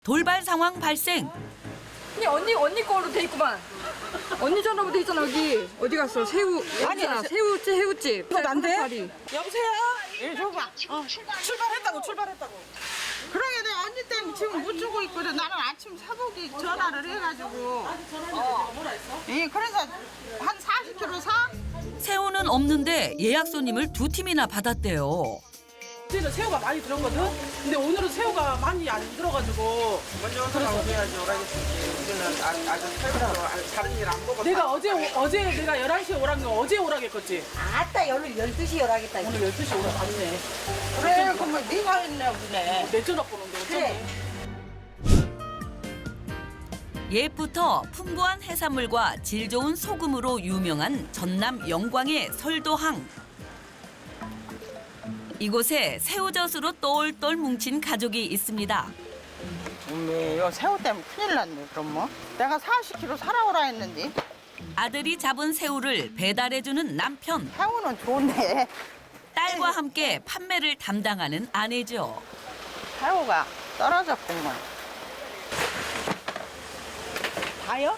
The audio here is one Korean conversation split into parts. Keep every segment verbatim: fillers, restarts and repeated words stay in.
돌발 상황 발생. 아니 언니 언니 거로 돼 있구만. 언니 전화부터 있잖아 여기. 어디 갔어? 새우 아니야 새우집 새우집. 이거 안 돼? 여보세요? 예, 줘봐. 어. 출발했다고, 출발했다고. 그러게 내가 언니 때문에 지금 못 주고 있거든. 나는 아침 사복이 전화를 해가지고. 어. 뭐라 했어? 예, 그래서 한 사십 킬로그램 사? 새우는 없는데 예약 손님을 두 팀이나 받았대요. 그때는 새우가 많이 들었거든? 근데 오늘은 새우가 많이 안 들어가지고 먼저 와서 나오셔야지, 오라겠지. 우리는 아- 아주 살면서 다른 일 안 보고. 내가 어제 오- 어제 내가 열한 시에 오라는 거 어제 오라겠겠지? 아따 오늘 열두 시에 오라겠다. 오늘 열두 시에 오라 갔네. 그래, 그러면 네가 했네, 보네. 내 전화 보는데 어쩌네. 옛부터 풍부한 해산물과 질 좋은 소금으로 유명한 전남 영광의 설도항. 이곳에 새우젓으로 똘똘 뭉친 가족이 있습니다. 어메, 요 새우 때문에 큰일 났네, 그럼 뭐. 내가 사십 킬로그램 사라오라 했는데. 아들이 잡은 새우를 배달해주는 남편. 새우는 좋은데. 딸과 함께 판매를 담당하는 아내죠. 새우가 떨어졌구만. 다요?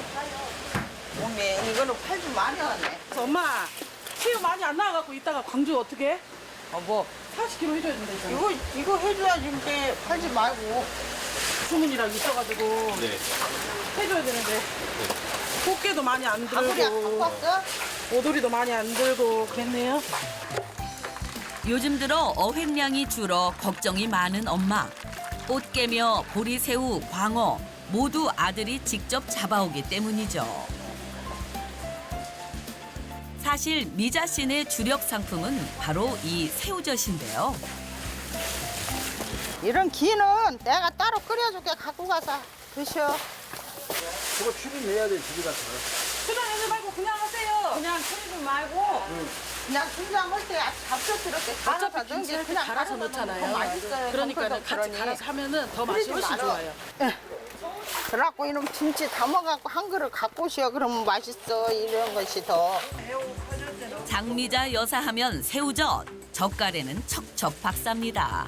어메, 이거는 팔지 말아야네. 그래서 엄마 새우 많이 안 나와갖고 이따가 광주 어떻게 해? 어, 뭐. 사십 킬로그램 해줘야 된다 이거. 이거, 이거 해줘야지, 근데 팔지 말고. 주문이랑 있어가지고 네. 해줘야 되는데 꽃게도 많이 안 가구리 갖고 들고 왔어? 오돌이도 많이 안 들고 그랬네요. 요즘 들어 어획량이 줄어 걱정이 많은 엄마. 꽃게며 보리새우, 광어 모두 아들이 직접 잡아오기 때문이죠. 사실 미자 씨네 주력 상품은 바로 이 새우젓인데요. 이런 기는 내가 따로 끓여줄게. 갖고 가서 드셔. 그거 출입해야 돼, 집에 가서. 출연하지 말고 그냥 하세요. 그냥 끓이지 말고 그냥 김장할 때 잡초 이렇게 어차피 김치를 이렇게 갈아서 넣잖아요. 맛있어요. 그러니까 같이 그러니. 갈아서 하면은 더 맛이 그러지 훨씬 말어. 좋아요. 그래갖고 이놈 김치 담아갖고 한 그릇 갖고 오시오. 그러면 맛있어. 이런 것이 더. 장미자 여사하면 새우젓, 젓갈에는 척척 박삽니다.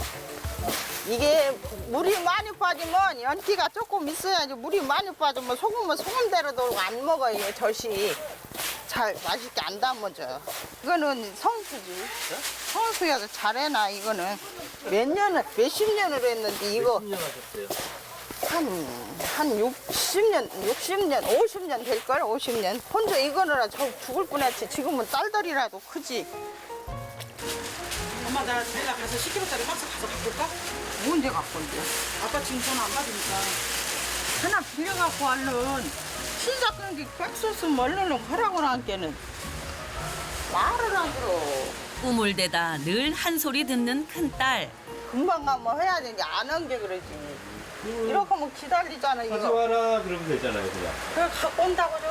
이게 물이 많이 빠지면 연기가 조금 있어야지. 물이 많이 빠지면 소금은 소금대로 돌고 안 먹어요. 젖이 잘 맛있게 안 담아져. 이거는 성수지. 성수여서 잘해놔. 이거는 몇 년을 몇십 년을 했는데 이거 한 한 육십 년, 육십 년, 오십 년 될걸. 오십 년. 혼자 이거느라 저 죽을 뻔했지. 지금은 딸들이라도 크지. 엄마 나 내가 가서 십 킬로그램짜리 박스 가서 갖고 올까? 언제 갖고 온대? 아빠 지금 전화 안 받으니까. 하나 빌려갖고 얼른 시작 그런 게 백소스 얼른 하라고 나한테는 말을 안 들어. 꿈을 대다 늘 한 소리 듣는 큰딸. 금방 가면 해야 되는데 안 한 게 그러지. 이렇게 하면 기다리잖아 이거. 가져와라, 그러면 되잖아요, 그냥. 그래 갖고 온다고 줘.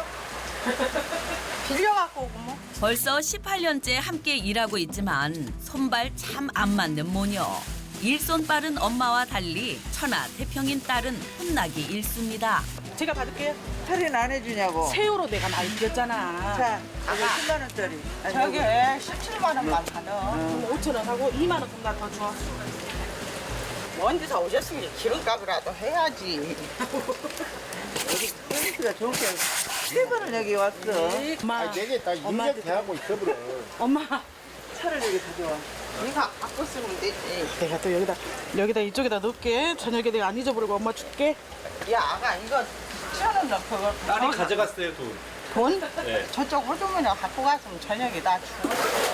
빌려갖고 오고 뭐. 벌써 십팔 년째 함께 일하고 있지만 손발 참 안 맞는 모녀. 일손 빠른 엄마와 달리 천하태평인 딸은 혼나기 일쑤입니다. 제가 받을게요. 할인 안 해주냐고. 새우로 내가 많이 드렸잖아. 자, 아가 십만 원짜리. 저게 십칠만 원만 받아. 그럼 오천 원 하고 이만 원 그럼 나 더 줘. 먼데서 오셨으니 기름값이라도 해야지. 여기 서비스가 좋은 게 세 번을 여기 왔어. 엄마, 아니, 되게 다 엄마한테 인정대하고 있어버려. 엄마. 차를 여기 가져와. 네가 갖고 쓰면 되지. 내가 또 여기다 여기다 이쪽에다 넣을게. 저녁에 내가 안 잊어버리고 엄마 줄게. 야, 아가 이거 천 원 넣고 그거 딸이 가져갔어요, 돈. 돈? 네. 저쪽 호주머니 갖고 갔으면 저녁에 나 줘.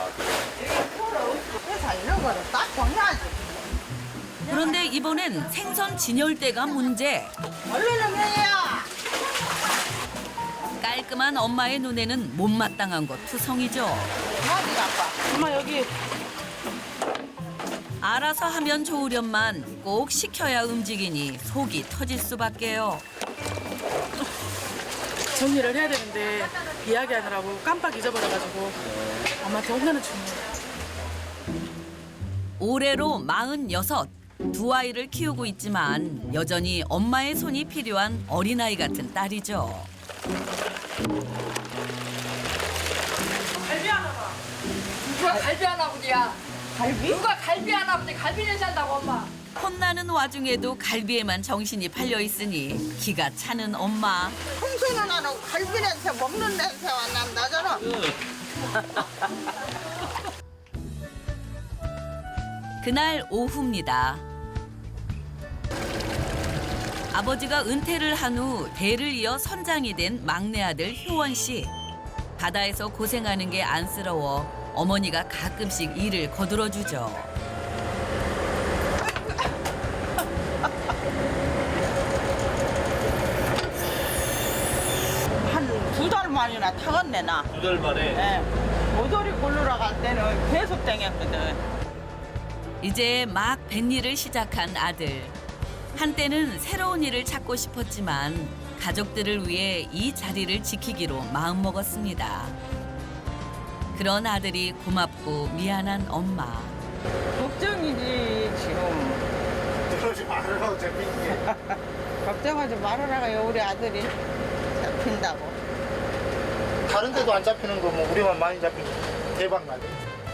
회사 이런 거는 딱 정해야지. 그런데 이번엔 생선 진열대가 문제. 얼른 해야. 깔끔한 엄마의 눈에는 못마땅한 것 투성이죠. 어디 아빠? 엄마 여기 알아서 하면 좋으련만 꼭 시켜야 움직이니 속이 터질 수밖에요. 정리를 해야 되는데 이야기하느라고 깜빡 잊어버려가지고 엄마한테 혼나는 중이에요. 올해로 마흔여섯. 두 아이를 키우고 있지만 여전히 엄마의 손이 필요한 어린아이 같은 딸이죠. 갈비 하나 봐. 누가 갈비 하나 보지야. 갈비? 누가 갈비 하나 보지 갈비 내시 한다고 엄마. 혼나는 와중에도 갈비에만 정신이 팔려 있으니 기가 차는 엄마. 평소에는 나는 갈비 냄새 먹는 냄새가 난다잖아. 그날 오후입니다. 아버지가 은퇴를 한 후 대를 이어 선장이 된 막내 아들 효원 씨. 바다에서 고생하는 게 안쓰러워 어머니가 가끔씩 일을 거들어 주죠. 한 두 달 만이나 타갔네 나. 두 달 만에. 예. 모조리 골르러 갈 때는 계속 땡겼거든. 이제 막 뱃일을 시작한 아들. 한때는 새로운 일을 찾고 싶었지만 가족들을 위해 이 자리를 지키기로 마음먹었습니다. 그런 아들이 고맙고 미안한 엄마. 걱정이지 지금. 그러지 말으라고 재밌게. 걱정하지 말아라가요 우리 아들이 잡힌다고. 다른 데도 안 잡히는 거 뭐 우리만 많이 잡히고 대박 나죠.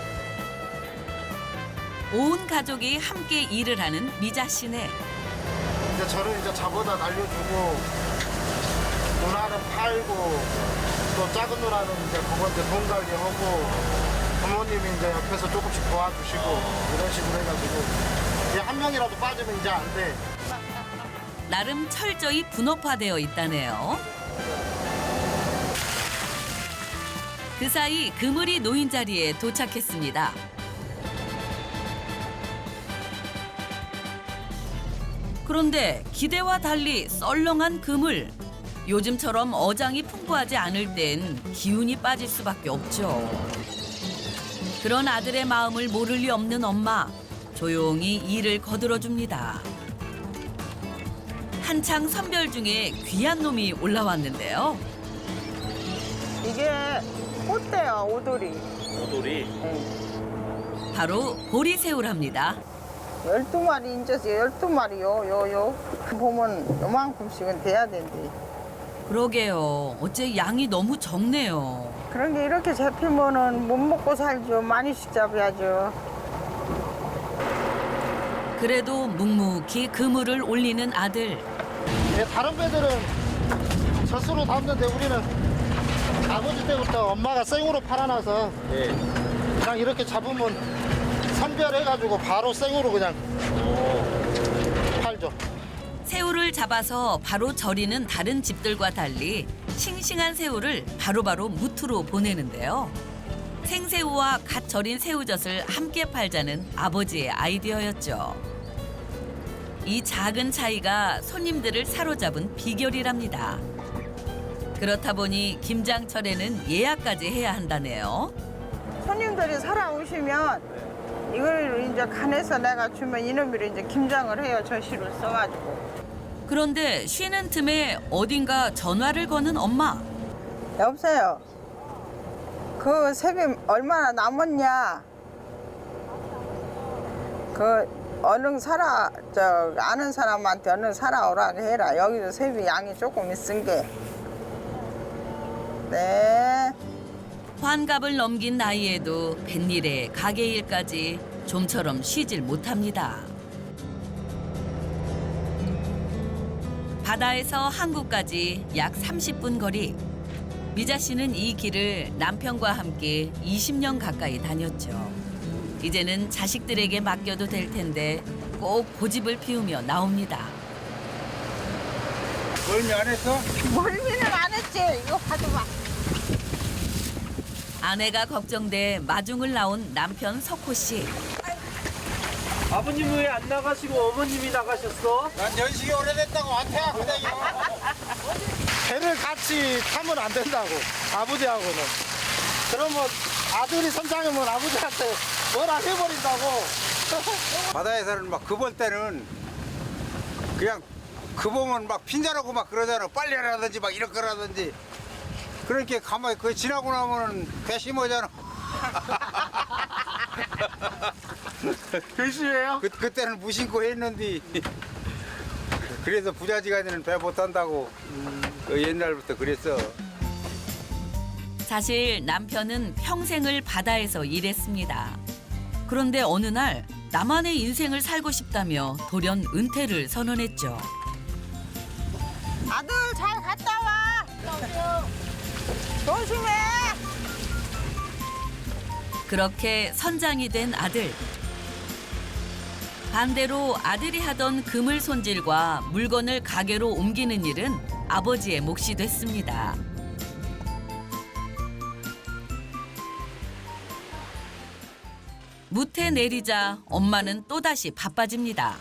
온 가족이 함께 일을 하는 미자 씨네. 이제 저를 이제 잡아다 날려주고 누나는 팔고 또 작은 누나는 이제 그거 이제 돈 관리하고 부모님이 이제 옆에서 조금씩 도와주시고 이런 식으로 해가지고 이제 한 명이라도 빠지면 이제 안 돼. 나름 철저히 분업화되어 있다네요. 그 사이 그물이 놓인 자리에 도착했습니다. 그런데 기대와 달리 썰렁한 그물. 요즘처럼 어장이 풍부하지 않을 땐 기운이 빠질 수밖에 없죠. 그런 아들의 마음을 모를 리 없는 엄마. 조용히 일을 거들어줍니다. 한창 선별 중에 귀한 놈이 올라왔는데요. 이게 꽃대요 오돌이. 오돌이. 바로 보리새우랍니다. 열두 마리 이제 열두 마리요 요요. 보면 요만큼씩은 돼야 된대. 그러게요. 어째 양이 너무 적네요. 그런 게 이렇게 잡히면은 못 먹고 살죠. 많이씩 잡아야죠. 그래도 묵묵히 그물을 올리는 아들. 이제 다른 배들은 젖수로 담는데 우리는 아버지 때부터 엄마가 생으로 팔아놔서 예. 그냥 이렇게 잡으면 선별해가지고 바로 생으로 그냥 팔죠. 새우를 잡아서 바로 절이는 다른 집들과 달리 싱싱한 새우를 바로바로 무트로 보내는데요. 생새우와 갓 절인 새우젓을 함께 팔자는 아버지의 아이디어였죠. 이 작은 차이가 손님들을 사로잡은 비결이랍니다. 그렇다 보니 김장철에는 예약까지 해야 한다네요. 손님들이 살아오시면 이걸 이제 간해서 내가 주면 이놈이를 이제 김장을 해요. 저시를 써가지고. 그런데 쉬는 틈에 어딘가 전화를 거는 엄마. 여보세요. 그 세비 얼마나 남았냐? 그 얼른 사라 저 아는 사람한테 얼른 사라오라 해라. 여기도 세비 양이 조금 있은 게. 네. 환갑을 넘긴 나이에도 뱃일에 가게 일까지 좀처럼 쉬질 못합니다. 바다에서 항구까지 약 삼십 분 거리. 미자 씨는 이 길을 남편과 함께 이십 년 가까이 다녔죠. 이제는 자식들에게 맡겨도 될 텐데 꼭 고집을 피우며 나옵니다. 멀미 안 했어? 멀미는 안 했지. 이거 봐줘봐. 아내가 걱정돼 마중을 나온 남편 석호 씨. 아버님 왜 안 나가시고 어머님이 나가셨어? 난 연식이 오래됐다고 안태하거든요. 배를 같이 타면 안 된다고 아버지하고는. 그러면 아들이 선장이면 아버지한테 뭐라 해버린다고. 바다에서는 막 그 볼 때는 그냥 그 보면 막 핀잔하고 막 그러잖아. 빨리 하라든지 막 이렇게 하라든지. 그렇게 가만히 그 지나고 나면은 괘씸하잖아. 글씨예요? 그, 그때는 무심코 했는데 그래서 부자지간에는 배 못 탄다고 그 옛날부터 그랬어. 사실 남편은 평생을 바다에서 일했습니다. 그런데 어느 날 나만의 인생을 살고 싶다며 돌연 은퇴를 선언했죠. 아들 잘 갔다 와. 조심해. 그렇게 선장이 된 아들. 반대로 아들이 하던 그물 손질과 물건을 가게로 옮기는 일은 아버지의 몫이 됐습니다. 무태 내리자 엄마는 또다시 바빠집니다.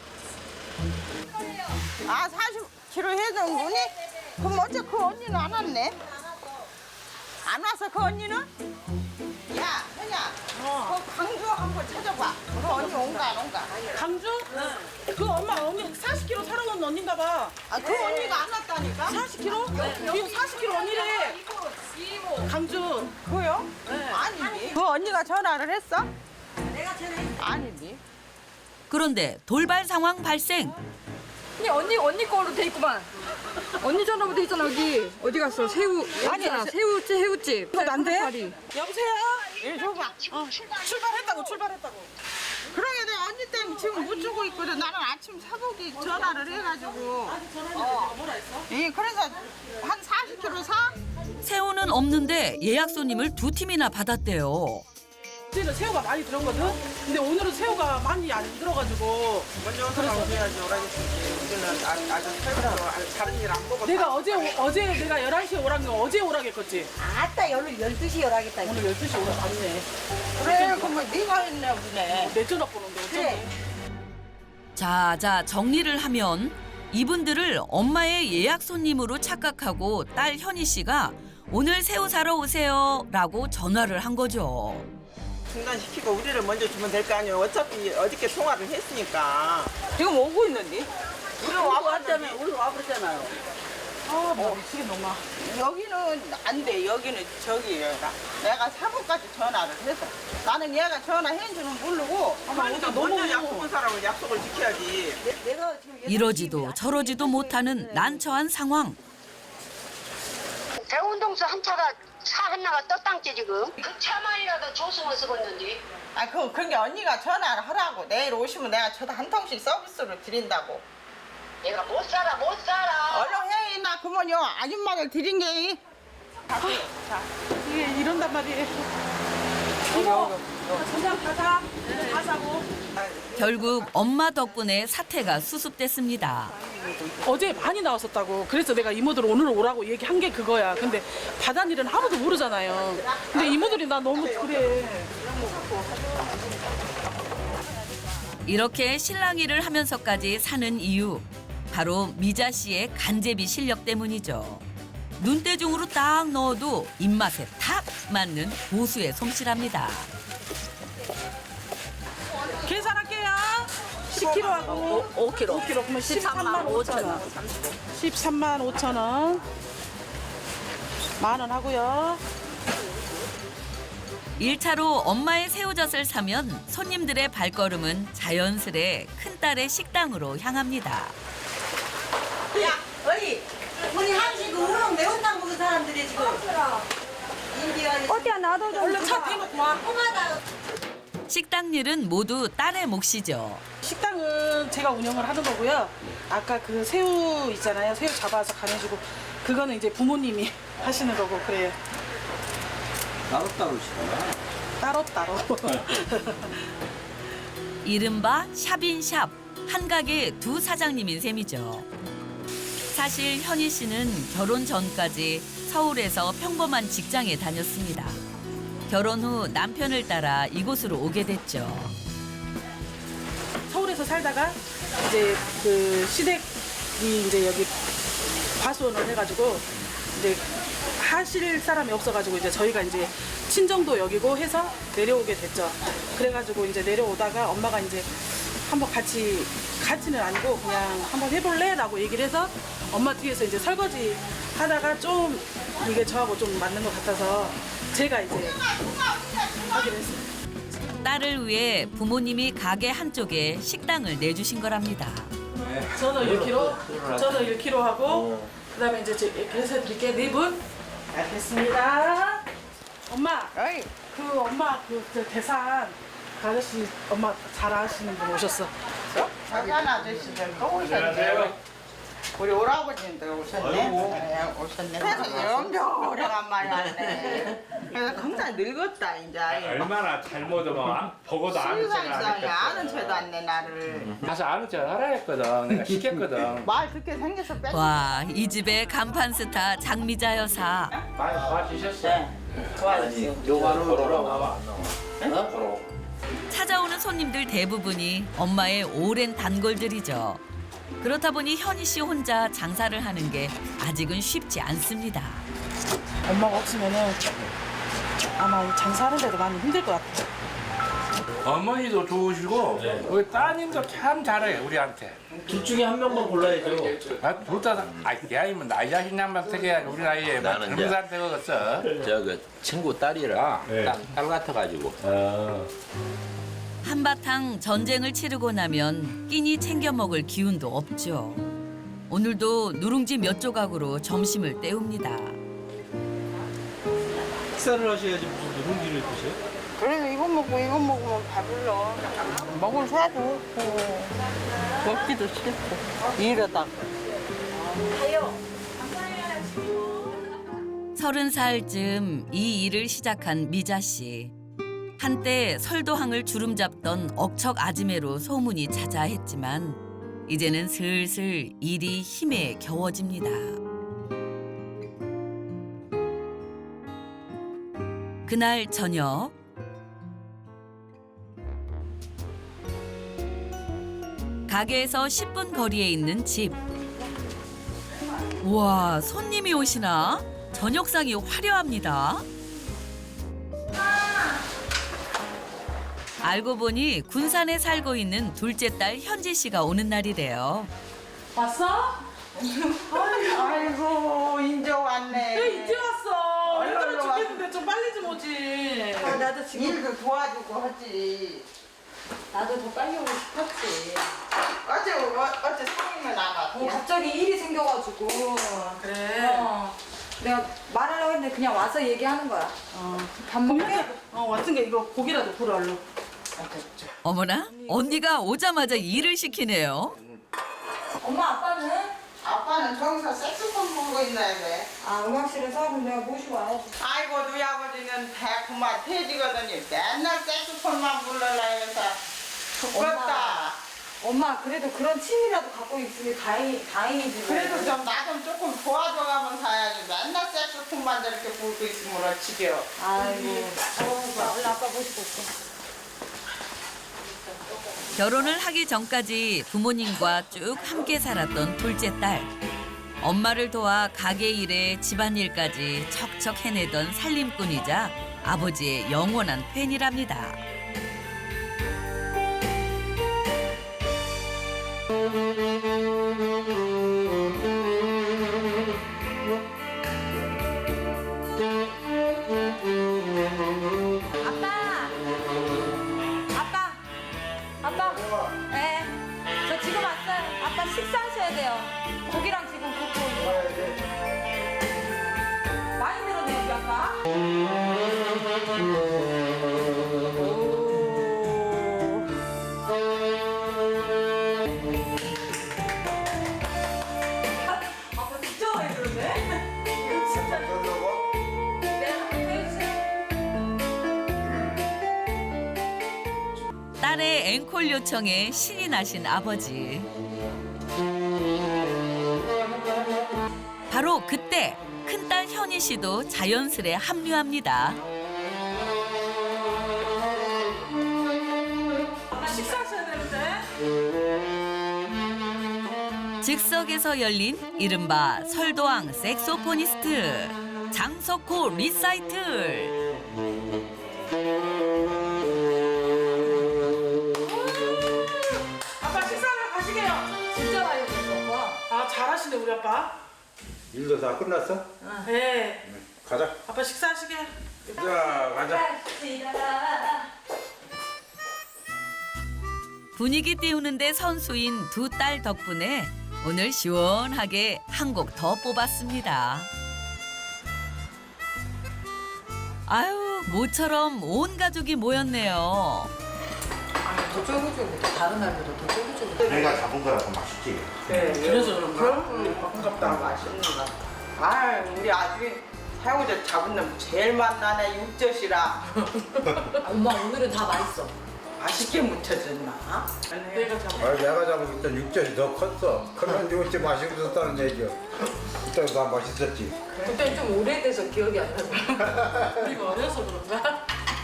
아 사십 킬로그램 해준 분이? 그럼 어째 그 언니는 안 왔네? 안 와서 그 언니는? 야, 현야, 그 강주 한번 찾아봐. 그 언니 온가 안 온가? 강주? 그 엄마 언니 사십 킬로그램 사러 온 언니인가 봐. 아, 그 언니가 안 왔다니까? 사십 킬로그램? 지금 사십 킬로그램 언니래. 강주. 그요? 아니지. 그 언니가 전화를 했어? 내가 전화했어. 아니지. 그런데 돌발 상황 발생. 언니 언니 언니 거로 돼 있구만. 언니 전화부 돼 있잖아 여기. 어디 갔어? 새우 아니야 새우집 새우집. 이거 난데? 다리. 여보세요? 일 줘봐. 어, 출발했다고 출발했다고. 그러게 내가 언니 때문에 지금 못 주고 있거든. 나는 아침 사복이 전화를 해가지고. 어. 뭐라 했어? 예, 그래서 한 사십 킬로그램 사? 새우는 없는데 예약 손님을 두 팀이나 받았대요. 그때는 새우가 많이 들었거든? 근데 오늘은 새우가 많이 안 들어가지고 먼저 와서 해야지 오라고 우리는 아- 아주 살면서 다른 일 안 먹어. 내가 어제 오- 어제 내가 열한 시에 오라는 거 어제 오라겠겠지? 아따 오늘 열두 시에 오라겠다. 오늘 열두 시에 오라 맞네. 그래, 그러면 네가 했네 보네. 내 전화 보는데 어쩌니? 자, 자, 정리를 하면 이분들을 엄마의 예약 손님으로 착각하고 딸 현희 씨가 오늘 새우 사러 오세요 라고 전화를 한 거죠. 중단시키고 우리를 먼저 주면 될 거 아니에요. 어차피 어저께 통화를 했으니까. 지금 오고 있는데? 우리 와봤다며. 우리 와버렸잖아요. 아, 나 미치겠네 엄마. 여기는 안 돼. 여기는 저기예요. 내가 사복까지 전화를 해서. 나는 얘가 전화한 줄은 모르고. 그러니까 먼저 약속한 사람은 약속을 지켜야지. 이러지도 저러지도 못하는 난처한 상황. 대운동수 한 차가 차 하나가 떴당지 지금. 그 차만이라도 조수만 쓰겠는데. 아, 그, 그게 언니가 전화를 하라고. 내일 오시면 내가 저도 한 통씩 서비스로 드린다고. 내가 못 살아 못 살아. 얼른 해. 나 그러면요. 아줌마들 드린 게. 이게 이런단 말이에요. 이거 전장 가자. 가자고. 결국 엄마 덕분에 사태가 수습됐습니다. 어제 많이 나왔었다고. 그래서 내가 이모들 오늘 오라고 얘기한 게 그거야. 근데 바다일은 아무도 모르잖아요. 근데 이모들이 나 너무 그래. 이렇게 실랑이를 하면서까지 사는 이유 바로 미자 씨의 간제비 실력 때문이죠. 눈대중으로 딱 넣어도 입맛에 탁 맞는 고수의 솜씨랍니다. 계산할게요. 십 킬로그램하고 오 킬로그램. 오 킬로그램 그러면 십삼만 오천 원. 십삼만 오천 원. 만 원 하고요. 일 차로 엄마의 새우젓을 사면 손님들의 발걸음은 자연스레 큰딸의 식당으로 향합니다. 야, 어이. 우리 한식 우렁 매운탕 먹은 사람들이 지금. 어디야 나도 좀. 얼른 차 대놓고 와. 식당 일은 모두 딸의 몫이죠. 식당은 제가 운영을 하는 거고요. 아까 그 새우 있잖아요. 새우 잡아서 간해주고 그거는 이제 부모님이 하시는 거고 그래요. 따로따로 시켜요. 따로따로. 이른바 샵인샵, 한 가게 두 사장님인 셈이죠. 사실 현희 씨는 결혼 전까지 서울에서 평범한 직장에 다녔습니다. 결혼 후 남편을 따라 이곳으로 오게 됐죠. 서울에서 살다가 이제 그 시댁이 이제 여기 과수원을 해가지고 이제 하실 사람이 없어가지고 이제 저희가 이제 친정도 여기고 해서 내려오게 됐죠. 그래가지고 이제 내려오다가 엄마가 이제 한번 같이 같이는 아니고 그냥 한번 해볼래?라고 얘기를 해서 엄마 뒤에서 이제 설거지 하다가 좀 이게 저하고 좀 맞는 것 같아서 제가 이제 하기로 했어요. 딸을 위해 부모님이 가게 한쪽에 식당을 내주신 거랍니다. 저는 일 킬로그램, 저는 일 킬로그램 하고 그다음에 이제 이렇게 해서 드릴게요. 네 분. 알겠습니다. 엄마, 어이. 그 엄마 그, 그 대산 아저씨 엄마 잘 아시는 분 오셨어. 작은 아저씨들 또 오셨네. 우리 오라버님도 오셨네. 네, 오셨네. 그래서 엄청 오래간만에 왔네. 그래서 굉장히 늙었다 이제. 얼마나 잘못하면 보고도 아는 척을 안 실상이 했겠어. 아는 채도 안 내 나를. 가서 아는 척 하라 했거든. 내가 시켰거든. 말 듣게 생겨서 뺏. 와, 이 집의 간판 스타 장미자 여사. 많이 도와주셨어. 좋아졌어요. 요거는 걸어라 나와. 어? 걸어. 찾아오는 손님들 대부분이 엄마의 오랜 단골들이죠. 그렇다 보니 현희 씨 혼자 장사를 하는 게 아직은 쉽지 않습니다. 엄마가 없으면은 아마 장사하는데도 많이 힘들 것 같아. 어머니도 좋으시고 우리 따님도 참 잘해 우리한테. 둘 중에 한 명만 골라야죠. 아, 둘다 아이 아니면 나이 자식 양반 되게 우리 나이에 뭐 나는 젊은 사람 되겠어. 저 그 친구 딸이라 네. 딸, 딸 같아가지고 아. 한바탕 전쟁을 치르고 나면 끼니 챙겨 먹을 기운도 없죠. 오늘도 누룽지 몇 조각으로 점심을 때웁니다. 식사를 하셔야지 무슨 누룽지를 드셔? 그래도 이거 먹고 이거 먹으면 배불러. 먹을 새도 없고 먹기도 싫고 이러다가. 서른 살쯤 이 일을 시작한 미자 씨. 한때 설도항을 주름잡던 억척 아지매로 소문이 자자했지만 이제는 슬슬 일이 힘에 겨워집니다. 그날 저녁 가게에서 십 분 거리에 있는 집. 우와, 손님이 오시나? 저녁상이 화려합니다. 알고 보니 군산에 살고 있는 둘째 딸 현지 씨가 오는 날이래요. 왔어? 아이고 인제 왔네. 왜 이제 왔어? 얼른 힘들어 와. 죽겠는데 좀 빨리 좀 오지. 아, 나도 지금 일도 도와주고 하지. 나도 더 빨리 오고 싶었지. 어제 어, 어제 상임을 나갔어. 어, 갑자기 일이 생겨가지고. 그래. 어, 내가 말하려고 했는데 그냥 와서 얘기하는 거야. 밥 먹게? 어 왔은 게 이거 고기라도 구워 얼른. 어머나, 언니가 오자마자 일을 시키네요. 엄마 아빠는? 아빠는 저기서 색소폰 보고 있나야 돼. 아 음악실에서 그럼 내가 모시고 와야지. 아이고 누이 아버지는 대구만 퇴지거든요. 맨날 색소폰만 불러라 해서 죽겠다. 엄마 그래도 그런 취미라도 갖고 있으니 다행, 다행이지. 그래도 좀 나 좀 조금 도와줘가면 사야지. 맨날 색소폰만 저렇게 불고 있으면 어찌겨. 아이고. 어, 얼른 아빠 모시고 올게. 결혼을 하기 전까지 부모님과 쭉 함께 살았던 둘째 딸. 엄마를 도와 가게 일에 집안일까지 척척 해내던 살림꾼이자 아버지의 영원한 팬이랍니다. 아빠! 아빠! 아빠! 네. 저 지금 왔어요. 아빠 식사하셔야 돼요. 고기랑 지금 굽고 있는 거. 많이 늘었네, 우리 아빠. 아빠 진짜 많이 늘었네. 진짜. 네, 한번 해주세요. 딸의 앵콜 요청에 신이 나신 아버지. 바로 그때 큰딸 현희 씨도 자연스레 합류합니다. 아빠 식사하셔야 되는데. 즉석에서 열린 이른바 설도항 색소포니스트 장석호 리사이틀. 아빠 식사하러 가시게요. 진짜 많이 늘었어, 오빠. 아 잘하시네 우리 아빠. 일도 다 끝났어? 네. 가자. 아빠 식사하시게. 자, 가자. 분위기 띄우는데 선수인 두 딸 덕분에 오늘 시원하게 한 곡 더 뽑았습니다. 아유, 모처럼 온 가족이 모였네요. 아니 더 쫄깃쫄깃해. 다른 날보다 더 쫄깃쫄깃해. 내가 잡은 거라 더 맛있지. 네, 그래서 그런가? 반갑다. 맛있는가. 아, 우리 아들이 새우젓 잡은 놈 제일 맛나네, 육젓이라. 엄마 오늘은 다 맛있어. 맛있게 무쳐졌나? 내가 잡아. 아, 내가 잡은 그때 육젓이 더 컸어. 크면 육젓이 맛있었다는 얘기야. 그때 다 맛있었지. 그때는 좀 오래돼서 기억이 안 나. 우리가 어려서 그런가?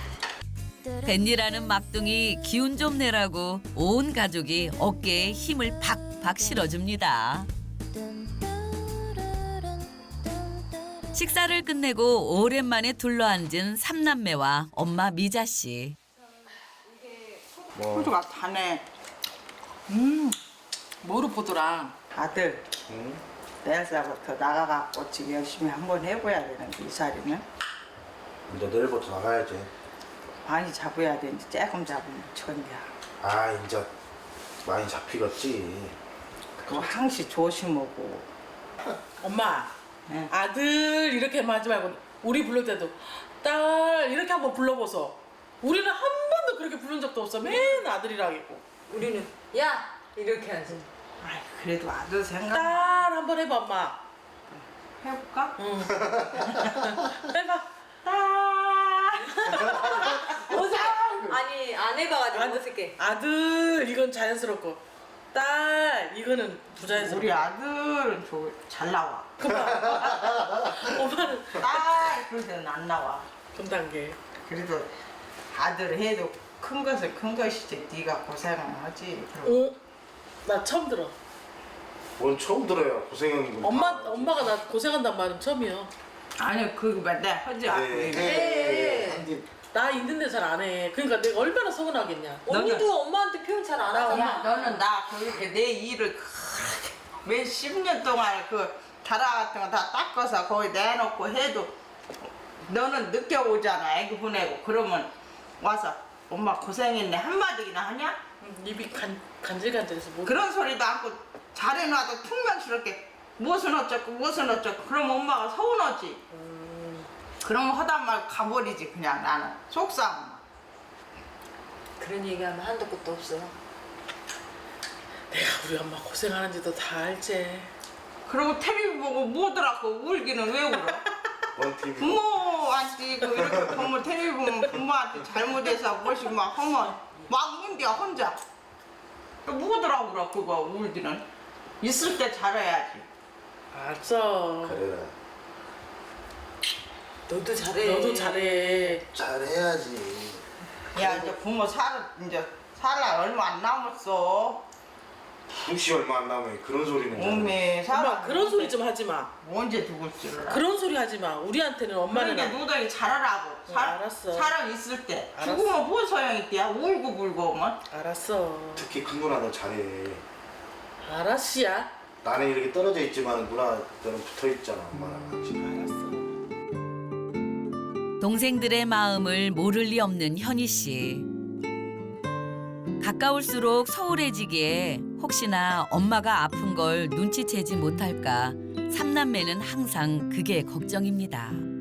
뱃일하는 막둥이 기운 좀 내라고 온 가족이 어깨에 힘을 박박 실어줍니다. 식사를 끝내고 오랜만에 둘러앉은 삼남매와 엄마 미자 씨. 호두가 다네. 음, 뭐로 보더라. 아들, 응? 내일서부터 나가갖고 지금 열심히 한번 해봐야 되는 이 살이는. 이제 내일부터 나가야지. 많이 잡아야 되는지 조금 잡으면 천이야. 아, 이제 많이 잡히겠지. 그거 항시 조심하고. 엄마, 네. 아들 이렇게 하지 말고 우리 부를 때도 딸 이렇게 한번 불러보소. 우리는 한 번도 그렇게 부른 적도 없어. 맨 아들이랑 있고. 우리는 야 이렇게 하지. 아이, 그래도 아들 생각. 딸 한번 해봐, 엄마. 해볼까? 응. 해봐. 어색. 아니 안 해봐가지고 아들, 어색해. 아들 이건 자연스럽고 딸 이거는 부자연스럽고. 우리 아들은 저 잘 나와. 엄마는 딸 그럴 때는 안 나와. 금단계. 그래도 아들 해도 큰 것은 큰 것이지. 네가 고생을 하지. 그럼. 오, 나 처음 들어. 뭔 처음 들어요. 고생하는 거. 엄마 엄마가 나 고생한단 말은 처음이야. 아니 그거 내가 하지 않고. 네. 네. 나 있는데 잘 안 해. 그러니까 내가 얼마나 서운하겠냐. 언니도 엄마한테 표현 잘 안 야, 하잖아. 너는 나 그렇게 내 일을 몇십 년 동안 그 자라 같은 거 다 닦아서 거기 내놓고 해도 너는 늦게 오잖아. 애기 보내고 그러면 와서 엄마 고생했네 한마디나 하냐? 음, 입이 간 간질간질해서 못. 그런 소리도 않고 잘해놔도 퉁명스럽게 무엇은 어쩌고 무엇은 어쩌고 그러면 엄마가 서운하지. 음, 그러면 하단 말 가버리지 그냥 나는 속상해. 그런 얘기하면 한도 끝도 없어. 내가 우리 엄마 고생하는지도 다 알지. 그리고 텔레비 보고 뭐더라고 울기는 왜 울어? 뭔 티비? 부모한테 그 이렇게 보면 텔레비 보면 부모한테 잘못해서 무엇이 막 하면 막 운대야 혼자. 또 뭐더라고 그래 그거 울기는. 있을 때 잘해야지. 알았어. 그래라. 너도 잘해. 너도 잘해. 잘해야지. 야 이제 부모 살 이제 살 날 얼마 안 남았어. 혹시 얼마 안 남으면 그런 소리는. 몸에 엄마 살아. 그런 소리 좀 하지 마. 언제 죽을 줄 알아. 그런 소리 하지 마. 우리한테는 엄마는 그러니까 노동이 잘하라고. 응, 알았어. 사람 있을 때. 알았어. 죽으면 뭔 소용 있대야. 울고 불고 오면. 알았어. 특히 큰 누나 너 잘해. 알았시야. 나는 이렇게 떨어져 있지만 누나 너는 붙어 있잖아 엄마랑 같이. 알았어. 동생들의 마음을 모를 리 없는 현희 씨. 가까울수록 소홀해지기에 혹시나 엄마가 아픈 걸 눈치채지 못할까 삼남매는 항상 그게 걱정입니다.